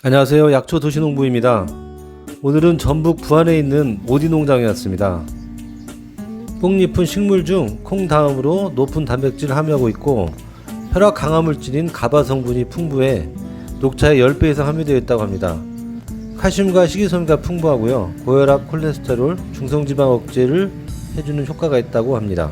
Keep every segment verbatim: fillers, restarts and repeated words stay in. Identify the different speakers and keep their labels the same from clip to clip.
Speaker 1: 안녕하세요. 약초 도시농부입니다. 오늘은 전북 부안에 있는 오디 농장에 왔습니다. 뽕잎은 식물 중 콩 다음으로 높은 단백질을 함유하고 있고 혈압 강화 물질인 가바 성분이 풍부해 녹차의 십 배 이상 함유되어 있다고 합니다. 칼슘과 식이섬유가 풍부하고요. 고혈압, 콜레스테롤, 중성지방 억제를 해주는 효과가 있다고 합니다.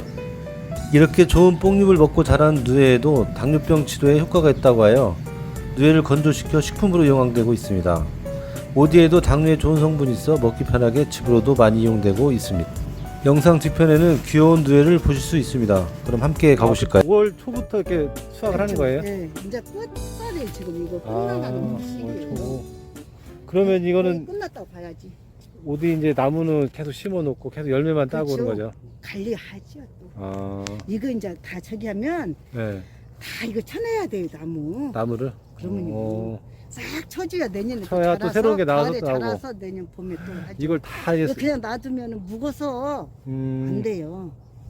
Speaker 1: 이렇게 좋은 뽕잎을 먹고 자란 누에에도 당뇨병 치료에 효과가 있다고 하여 누에를 건조시켜 식품으로 이용되고 있습니다. 오디에도 당뇨에 좋은 성분이 있어 먹기 편하게 집으로도 많이 이용되고 있습니다. 영상 뒤편에는 귀여운 누에를 보실 수 있습니다. 그럼 함께 가보실까요? 오월 초부터 이렇게 수확을 하는 거예요?
Speaker 2: 네, 이제 끝살이 지금 이거 끝나가는 시기예요.
Speaker 1: 그러면 이거는
Speaker 2: 끝났다고 봐야지.
Speaker 1: 오디 이제 나무는 계속 심어놓고 계속 열매만 따고
Speaker 2: 그렇죠.
Speaker 1: 오는 거죠?
Speaker 2: 관리하죠 또.
Speaker 1: 아,
Speaker 2: 이거 이제 다 저기 하면
Speaker 1: 네.
Speaker 2: 다 이거 쳐내야 돼요 나무.
Speaker 1: 나무를?
Speaker 2: 그러면요.
Speaker 1: 어,
Speaker 2: 싹 쳐줘야 내년에
Speaker 1: 쳐야 또 새로운 게 나와서 또 하고.
Speaker 2: 자라서 내년 봄에 또 하죠.
Speaker 1: 이걸 다 이제
Speaker 2: 이거 그냥 놔두면 묵어서
Speaker 1: 음,
Speaker 2: 안 돼요.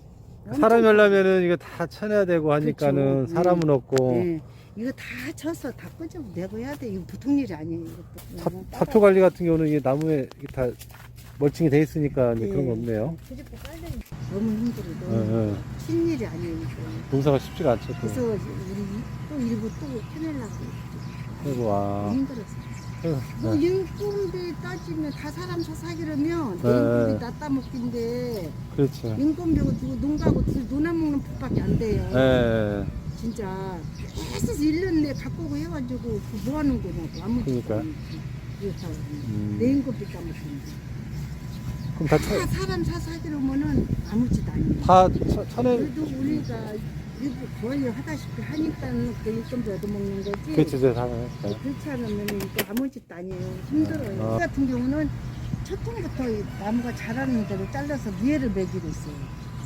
Speaker 1: 사람이 하려면은 이거 다 쳐내야 되고 하니까는
Speaker 2: 그렇죠.
Speaker 1: 사람은 없고
Speaker 2: 네. 이거 다 쳐서 다 끄집어내고 해야 돼. 이거 보통 일이 아니에요.
Speaker 1: 사,
Speaker 2: 이것도.
Speaker 1: 사표 관리 같은 경우는 이게 나무에 이게 다 멀칭이 돼 있으니까 이제
Speaker 2: 네.
Speaker 1: 그런 거 없네요.
Speaker 2: 그집고 빨리 너무 힘들어.
Speaker 1: 예,
Speaker 2: 너무
Speaker 1: 예.
Speaker 2: 쉬운 일이 아니에요. 이거.
Speaker 1: 농사가 쉽지가 않죠. 또.
Speaker 2: 그래서 우리 또 일부 또 해내려고
Speaker 1: 그리고 와.
Speaker 2: 힘들었어.
Speaker 1: 아이고,
Speaker 2: 뭐
Speaker 1: 네.
Speaker 2: 인건비 따지면 다 사람 사사기라면
Speaker 1: 네.
Speaker 2: 인건비 다 따먹긴데
Speaker 1: 그렇죠.
Speaker 2: 인건비고 누구 농가고 논아먹는 법밖에 안 돼요.
Speaker 1: 예.
Speaker 2: 진짜 계속 일 년 내에 갖고 오고 해가지고 그뭐 하는 거냐고 아무것도
Speaker 1: 그러니까.
Speaker 2: 그래서
Speaker 1: 음.
Speaker 2: 내 인건비 따먹는데
Speaker 1: 그럼 다
Speaker 2: 다
Speaker 1: 쳐,
Speaker 2: 사람 사사기로면은 아무지도 아니에요.
Speaker 1: 다 쳐, 쳐내.
Speaker 2: 그래도 우리가 일부 거의 하다시피 하니까 그 인건비 얻어먹는 거지.
Speaker 1: 그렇죠, 저 사람.
Speaker 2: 그렇지 않으면 이거 아무 짓도 아니에요. 힘들어요.
Speaker 1: 어.
Speaker 2: 이 같은 경우는 첫통부터 이 나무가 자라는 대로 잘라서 니에를 매기고 있어요.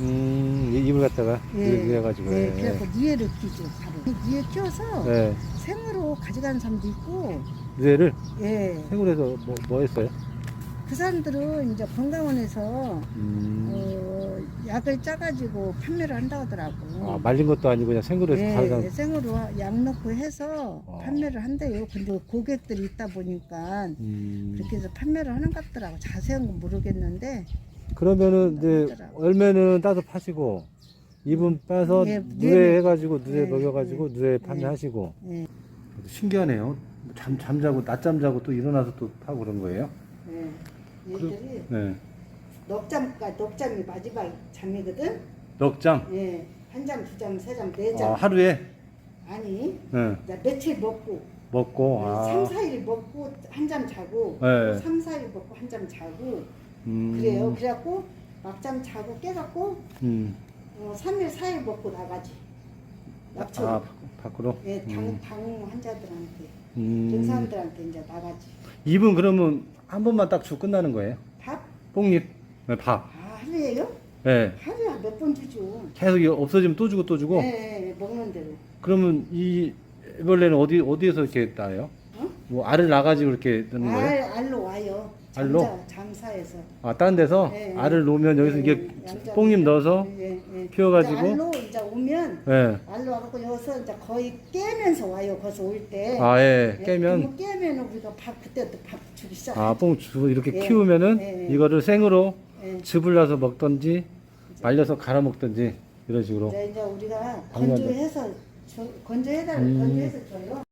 Speaker 1: 음, 이 입을 갖다가
Speaker 2: 예.
Speaker 1: 이래가지고.
Speaker 2: 네, 그래서 니에를 키죠, 바로. 니에 키워서
Speaker 1: 네.
Speaker 2: 생으로 가져가는 사람도 있고,
Speaker 1: 뇌를
Speaker 2: 예.
Speaker 1: 생으로 해서 뭐, 뭐 했어요?
Speaker 2: 그 사람들은 이제 건강원에서
Speaker 1: 음.
Speaker 2: 어, 약을 짜가지고 판매를 한다고 하더라고.
Speaker 1: 아, 말린 것도 아니고 그냥 생으로 해서
Speaker 2: 예,
Speaker 1: 가져가.
Speaker 2: 생으로 약 넣고 해서
Speaker 1: 어.
Speaker 2: 판매를 한대요. 근데 고객들이 있다 보니까
Speaker 1: 음.
Speaker 2: 그렇게 해서 판매를 하는 것 같더라고. 자세한 건 모르겠는데.
Speaker 1: 그러면은 이제 열매는 따서 파시고 잎은 빼서
Speaker 2: 예,
Speaker 1: 누에
Speaker 2: 네,
Speaker 1: 해가지고 누에
Speaker 2: 네,
Speaker 1: 먹여가지고
Speaker 2: 네,
Speaker 1: 누에
Speaker 2: 네.
Speaker 1: 판매하시고.
Speaker 2: 예,
Speaker 1: 신기하네요. 잠 잠자고 낮잠 자고 또 일어나서 또 파고 그런 거예요?
Speaker 2: 예. 얘들이
Speaker 1: 네.
Speaker 2: 넉잠까 넉잠이 마지막 잠이거든.
Speaker 1: 넉잠.
Speaker 2: 예, 한 잠, 두 잠, 세 잠, 네
Speaker 1: 아,
Speaker 2: 잠.
Speaker 1: 하루에.
Speaker 2: 아니,
Speaker 1: 네.
Speaker 2: 나 며칠 먹고
Speaker 1: 먹고. 아.
Speaker 2: 삼, 사 일 먹고 한 잠 자고
Speaker 1: 네.
Speaker 2: 또 삼, 사 일 먹고 한 잠 자고
Speaker 1: 음.
Speaker 2: 그래요. 그래갖고 막잠 자고 깨갖고
Speaker 1: 음.
Speaker 2: 어, 삼 일, 사 일 먹고 나가지. 약초.
Speaker 1: 아, 밖으로.
Speaker 2: 예, 당,
Speaker 1: 음.
Speaker 2: 당 환자들한테,
Speaker 1: 음.
Speaker 2: 그런 사람들한테 이제 나가지.
Speaker 1: 잎은 그러면 한 번만 딱 주고 끝나는 거예요?
Speaker 2: 밥?
Speaker 1: 뽕잎. 네, 밥.
Speaker 2: 아, 하루에요?
Speaker 1: 네.
Speaker 2: 하루에 몇 번 주죠.
Speaker 1: 계속 이거 없어지면 또 주고 또 주고.
Speaker 2: 예, 예, 먹는 대로.
Speaker 1: 그러면 이 애벌레는 어디 어디에서 이렇게 따요?
Speaker 2: 어?
Speaker 1: 뭐 알을 나가지고 이렇게 넣는 거예요?
Speaker 2: 알, 알로 와요.
Speaker 1: 알로?
Speaker 2: 잠자, 잠사에서.
Speaker 1: 아, 다른 데서
Speaker 2: 예, 예.
Speaker 1: 알을 놓으면 여기서
Speaker 2: 예,
Speaker 1: 이게
Speaker 2: 양자-
Speaker 1: 뽕잎 넣어서
Speaker 2: 예, 예.
Speaker 1: 피워가지고?
Speaker 2: 이제 알로 이제 오면
Speaker 1: 예.
Speaker 2: 알로 와갖고 여기서 이제 거의 깨면서 와요. 거기서 올 때.
Speaker 1: 아, 예.
Speaker 2: 예,
Speaker 1: 깨면
Speaker 2: 그러면 깨면은 우리가 밥 그때부터 밥 주기 시작.
Speaker 1: 아, 뽕 주고 이렇게
Speaker 2: 예,
Speaker 1: 키우면은
Speaker 2: 예, 예.
Speaker 1: 이거를 생으로
Speaker 2: 예.
Speaker 1: 즙을 내서 먹던지 말려서 갈아 먹던지 이런 식으로.
Speaker 2: 이제, 이제 우리가
Speaker 1: 당연하죠.
Speaker 2: 건조해서 줘- 건조해달
Speaker 1: 음.
Speaker 2: 건조해서 줘요.